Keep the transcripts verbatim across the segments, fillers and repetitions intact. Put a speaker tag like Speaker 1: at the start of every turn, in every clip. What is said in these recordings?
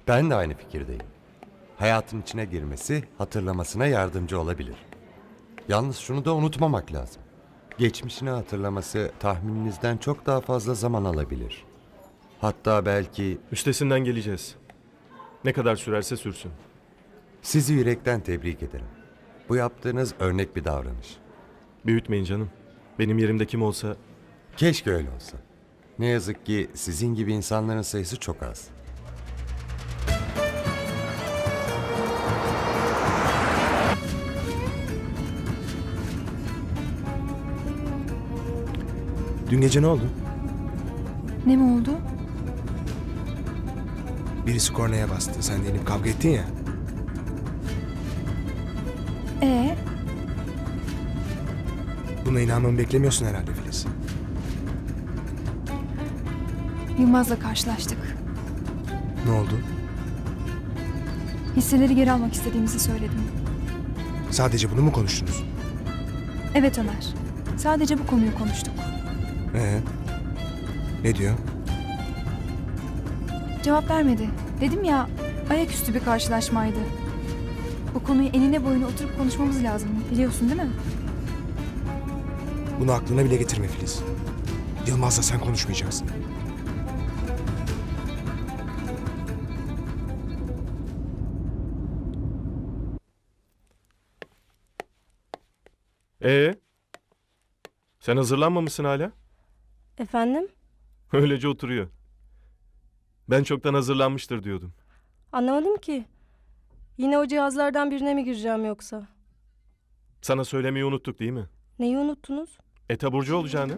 Speaker 1: Ben de aynı fikirdeyim. Hayatın içine girmesi hatırlamasına yardımcı olabilir. Yalnız şunu da unutmamak lazım. Geçmişini hatırlaması tahmininizden çok daha fazla zaman alabilir. Hatta belki
Speaker 2: Üstesinden geleceğiz. Ne kadar sürerse sürsün.
Speaker 1: sizi yürekten tebrik ederim. Bu yaptığınız örnek bir davranış.
Speaker 2: Büyütmeyin canım. Benim yerimde kim olsa
Speaker 1: Keşke öyle olsa. Ne yazık ki sizin gibi insanların sayısı çok az.
Speaker 3: Dün gece ne oldu?
Speaker 4: Ne mi oldu?
Speaker 3: Birisi kornaya bastı. Sen de inip kavga ettin ya.
Speaker 4: Ee,
Speaker 3: Buna inanmamı beklemiyorsun herhalde Filiz.
Speaker 4: Yılmaz'la karşılaştık.
Speaker 3: Ne oldu?
Speaker 4: Hisseleri geri almak istediğimizi söyledim.
Speaker 3: Sadece bunu mu konuştunuz?
Speaker 4: Evet Ömer. Sadece bu konuyu konuştuk.
Speaker 3: Ee? Ne diyor?
Speaker 4: Cevap vermedi. Dedim ya, ayaküstü bir karşılaşmaydı. Bu konuyu enine boyuna oturup konuşmamız lazım. Biliyorsun değil mi?
Speaker 3: Bunu aklına bile getirme Filiz. Yılmaz'la sen konuşmayacaksın.
Speaker 2: Ee? Sen hazırlanmamışsın hala?
Speaker 5: Efendim?
Speaker 2: Öylece oturuyor. Ben çoktan hazırlanmıştır diyordum.
Speaker 5: Anlamadım ki. Yine o cihazlardan birine mi gireceğim yoksa?
Speaker 2: Sana söylemeyi unuttuk değil mi?
Speaker 5: Neyi unuttunuz?
Speaker 2: E taburcu olacağını.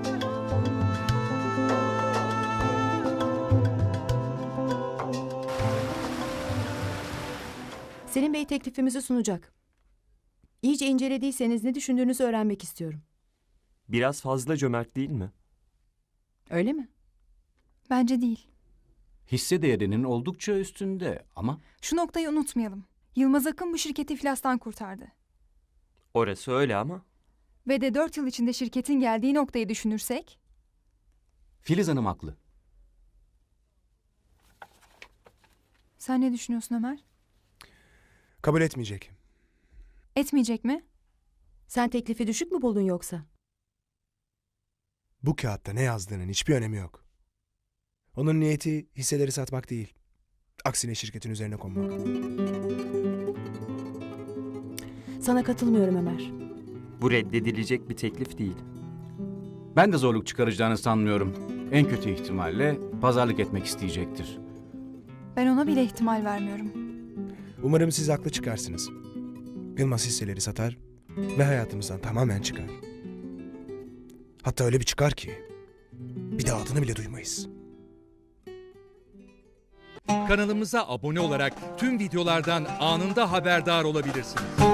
Speaker 6: Selim Bey teklifimizi sunacak. İyice incelediyseniz ne düşündüğünüzü öğrenmek istiyorum.
Speaker 7: Biraz fazla cömert değil mi?
Speaker 6: Öyle mi?
Speaker 4: Bence değil.
Speaker 8: Hisse değerinin oldukça üstünde ama
Speaker 4: Şu noktayı unutmayalım. Yılmaz Akın bu şirketi iflastan kurtardı.
Speaker 7: Orası öyle ama.
Speaker 4: Ve de dört yıl içinde şirketin geldiği noktayı düşünürsek...
Speaker 8: Filiz Hanım haklı.
Speaker 4: Sen ne düşünüyorsun Ömer?
Speaker 3: Kabul etmeyecek.
Speaker 4: Etmeyecek mi?
Speaker 6: Sen teklifi düşük mü buldun yoksa?
Speaker 3: Bu kağıtta ne yazdığının hiçbir önemi yok. Onun niyeti hisseleri satmak değil. Aksine şirketin üzerine konmak.
Speaker 6: Sana katılmıyorum Ömer.
Speaker 7: Bu reddedilecek bir teklif değil.
Speaker 8: Ben de zorluk çıkaracağını sanmıyorum. En kötü ihtimalle pazarlık etmek isteyecektir.
Speaker 4: Ben ona bile ihtimal vermiyorum.
Speaker 3: Umarım siz haklı çıkarsınız. Yılmaz hisseleri satar ve hayatımızdan tamamen çıkar. Hatta öyle bir çıkar ki bir daha adını bile duymayız.
Speaker 9: Kanalımıza abone olarak tüm videolardan anında haberdar olabilirsiniz.